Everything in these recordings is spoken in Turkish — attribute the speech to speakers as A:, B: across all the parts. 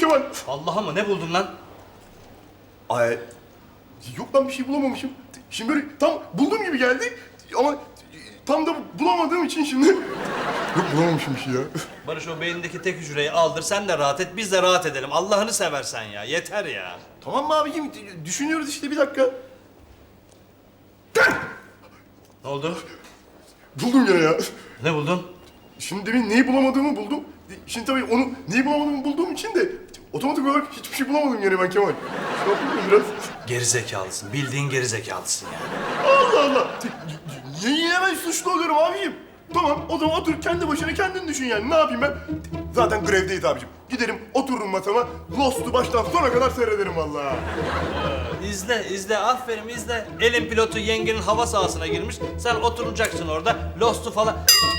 A: Kemal.
B: Allah'a mı ne buldun lan?
A: Ay, yok lan bir şey bulamamışım. Şimdi böyle tam bulduğum gibi geldi ama tam da bulamadığım için şimdi... Yok bulamamışım bir şey ya.
B: Barış o beynindeki tek hücreyi aldır sen de rahat et biz de rahat edelim. Allah'ını seversen ya yeter ya.
A: Tamam mı abicim? Düşünüyoruz işte bir dakika.
B: Ne oldu?
A: Buldum gene ya.
B: Ne buldun?
A: Şimdi demin neyi bulamadığımı buldum. Şimdi tabii onu neyi bulamadığımı bulduğum için de otomatik olarak hiçbir şey bulamadım gene ben Kemal. Şey yapayım mı biraz?
B: Geri zekalısın. Bildiğin geri zekalısın ya.
A: Allah Allah! Niye yine ben suçlu oluyorum abicim? Tamam, o zaman otur kendi başına kendin düşün yani. Ne yapayım ben? Zaten grevdeyiz abicim. Giderim, otururum masama, Lost'u baştan sona kadar seyrederim vallahi.
B: İzle aferin izle. Elin pilotu yengenin hava sahasına girmiş. Sen oturacaksın orada. Lost'u falan...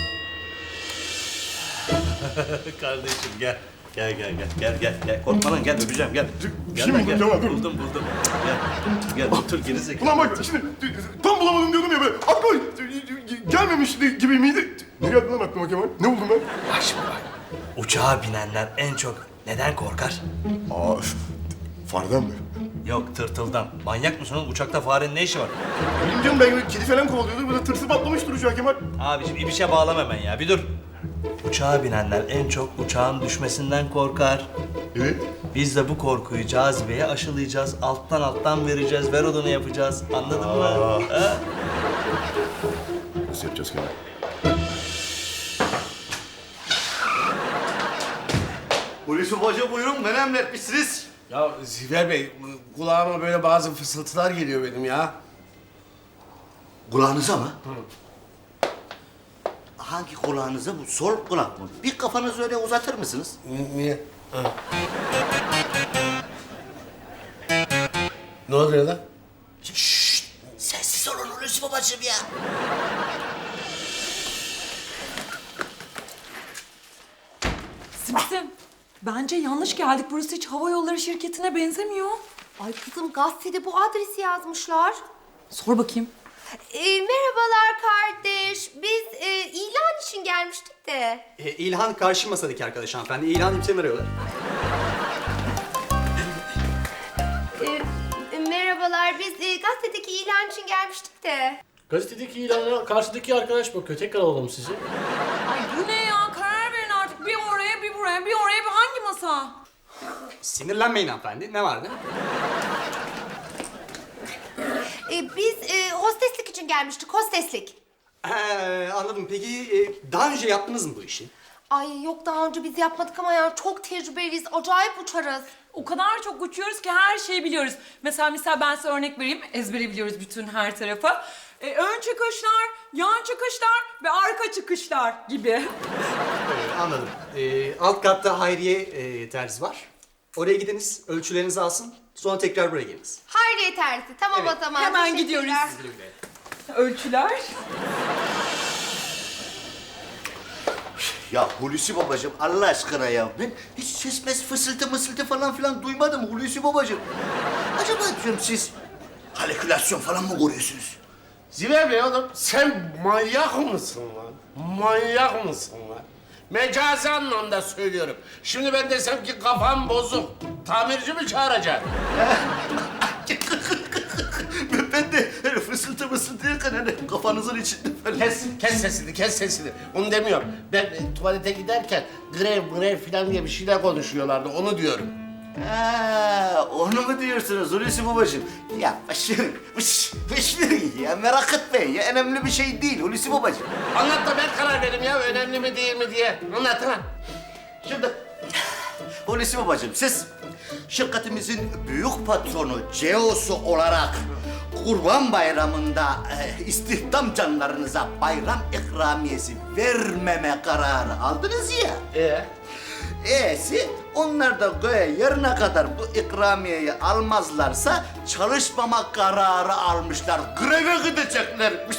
B: Kardeşim gel. Gel. Korkma lan gel öpeceğim gel.
A: Bir şey mi buldun Kemal? Dur.
B: Buldum. Gel otur geri zekalı.
A: Ulan bak şimdi tam bulamadım diyordum ya böyle. Aklıma gelmemişti gibi miydi? Ne geldi lan aklıma Kemal? Ne buldum ben?
B: Bak şimdi bak. Uçağa binenler en çok neden korkar?
A: Aa, fareden mi?
B: Yok tırtıldan. Manyak mısın oğlum? Uçakta farenin ne işi var?
A: Bilmiyorum ben kedi falan kovalıyordu. Böyle tırsı patlamıştır uçağa Kemal.
B: Abiciğim bir şey bağlama hemen ya. Bir dur. Uçağa binenler en çok uçağın düşmesinden korkar.
A: Evet.
B: Biz de bu korkuyu cazibeye aşılayacağız. Alttan vereceğiz. Ver odunu yapacağız. Anladın mı? Ha?
A: Nasıl yapacağız Kemal?
C: Hulusi Hoca buyurun, beni emretmişsiniz.
D: Ya Ziver Bey, kulağıma böyle bazı fısıltılar geliyor benim ya.
C: Kulağınıza mı? Hangi kulağınıza bu? Sol kulak mı? Bir kafanızı öyle uzatır mısınız?
D: Niye? Ha. Ne oluyor lan?
C: Şşşt! Sessiz olun Hulusi babacığım ya.
E: Simsim, bence yanlış geldik. Burası hiç hava yolları şirketine benzemiyor.
F: Ay kızım gazetede bu adresi yazmışlar.
E: Sor bakayım.
F: Merhabalar kardeş. Biz ilan için gelmiştik de.
G: İlhan karşı masadaki arkadaş hanımefendi. İlhan İpten arıyorlar.
F: Merhabalar biz gazetedeki ilan için gelmiştik de.
H: Gazetedeki ilana karşıdaki arkadaş bakıyor. Tekrar alalım sizi.
E: Ay bu ne ya? Karar verin artık. Bir oraya, bir buraya, bir oraya, bir hangi masa?
G: Sinirlenmeyin hanımefendi. Ne vardı?
F: Biz hosteslik için gelmiştik, hosteslik.
G: Anladım. Peki daha önce yaptınız mı bu işi?
F: Ay yok daha önce biz yapmadık ama ya çok tecrübeliyiz, acayip uçarız.
E: O kadar çok uçuyoruz ki her şeyi biliyoruz. Mesela ben size örnek vereyim. Ezbere biliyoruz bütün her tarafı. Ön çıkışlar, yan çıkışlar ve arka çıkışlar gibi.
G: Anladım. Alt katta Hayriye terzi var. Oraya gidiniz, ölçülerinizi alsın. Sonra tekrar buraya geliniz.
F: Hayriye terzi, tamam
G: Evet,
F: o zaman.
E: hemen
F: teşekkürler.
E: gidiyoruz. Ölçüler.
C: Ya Hulusi babacığım Allah aşkına ya. Ben hiç ses mes fısıltı falan filan duymadım Hulusi babacığım. Acaba diyorum siz halükülasyon falan mı görüyorsunuz?
D: Ziver Bey oğlum, sen manyak mısın lan? Manyak mısın lan? Mecazi anlamda söylüyorum. Şimdi ben desem ki kafam bozuk. Tamirci mi çağıracaksın?
C: Ben de öyle fısıltı derken hani kafanızın içinde falan.
D: Kes sesini. Onu demiyorum. Ben tuvalete giderken grev filan diye bir şeyler konuşuyorlardı. Onu diyorum.
C: Ha, onu mu diyorsunuz Hulusi babacığım? Ya ya merak etmeyin ya. Önemli bir şey değil Hulusi babacığım.
D: Anlat da ben karar vereyim ya önemli mi değil mi diye. Anlat ha.
C: Şimdi Hulusi babacığım siz şirketimizin büyük patronu CEO'su olarak Kurban Bayramı'nda istihdam canlarınıza bayram ikramiyesi vermeme kararı aldınız ya. E'si onlar da göğe yarına kadar bu ikramiyeyi almazlarsa çalışmama kararı almışlar. Greve gideceklermiş.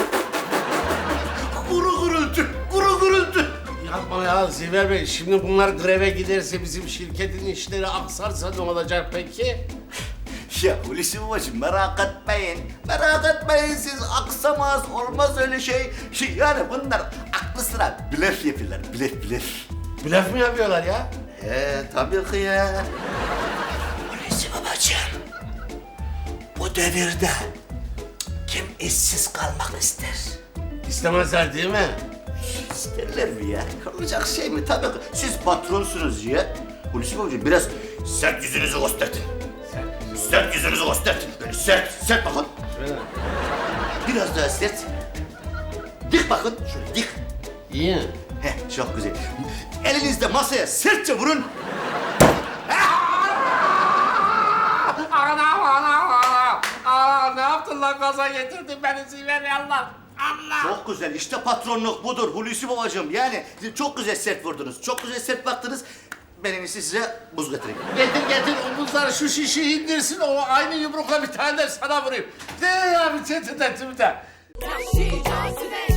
C: Kuru gürültü.
D: Yapma ya Ziver Bey. Şimdi bunlar greve giderse bizim şirketin işleri aksarsa ne olacak peki?
C: Ya Hulusi babacığım merak etmeyin siz aksamaz olmaz öyle şey. Yani bunlar aklı sıra blöf yapıyorlar blöf.
D: Blöf mü yapıyorlar ya?
C: Tabii ki ya. Hulusi babacığım, bu devirde kim işsiz kalmak ister?
D: İstemezler değil mi?
C: İsterler mi ya? Olacak şey mi? Tabii ki. Siz patronsunuz ya. Hulusi babacığım biraz sert yüzünüzü gösterin. Sert yüzünüzü gösterin. Böyle sert bakın. Biraz daha sert. Dik bakın, şöyle dik.
D: İyi.
C: Heh, çok güzel. Elinizde masaya sertçe vurun.
D: Anam. Ne yaptın lan, gaza getirdin beni Ziver Allah. Allah.
C: Çok güzel. İşte patronluk budur Hulusi babacığım. Yani çok güzel sert vurdunuz. Çok güzel sert baktınız. Ben en iyisi size buz getireyim.
D: Getir o buzları, şu şişeyi indirsin, o aynı yumrukla bir tane de sana vurayım. Ne ya, bir tetinden.
I: Yahşi cazibe